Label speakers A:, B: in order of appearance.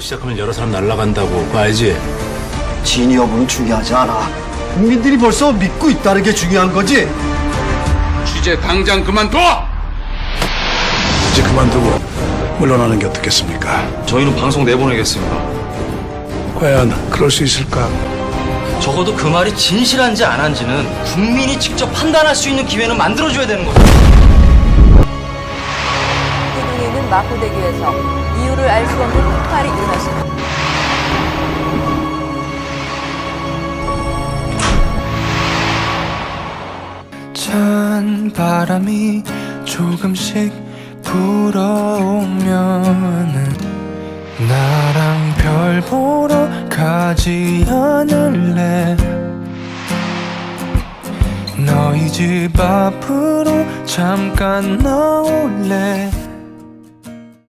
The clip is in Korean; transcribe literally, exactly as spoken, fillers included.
A: 시작하면 여러 사람 날아간다고. 그거 알지?
B: 진위 여부는 중요하지 않아. 국민들이 벌써 믿고 있다는 게 중요한 거지.
C: 취재 당장 그만둬!
D: 이제 그만두고 물러나는 게 어떻겠습니까?
E: 저희는 방송 내보내겠습니다.
D: 과연 그럴 수 있을까?
E: 적어도 그 말이 진실한지 안 한지는 국민이 직접 판단할 수 있는 기회는 만들어줘야 되는 거죠.
F: 기둥에 있는 마포대교에서 이유를 알 수 없는 폭발이 일어났습니다.
G: 찬 바람이 조금씩 불어오면은 나랑 별 보러 가지 않을래. 너희 집 앞으로 잠깐 나올래.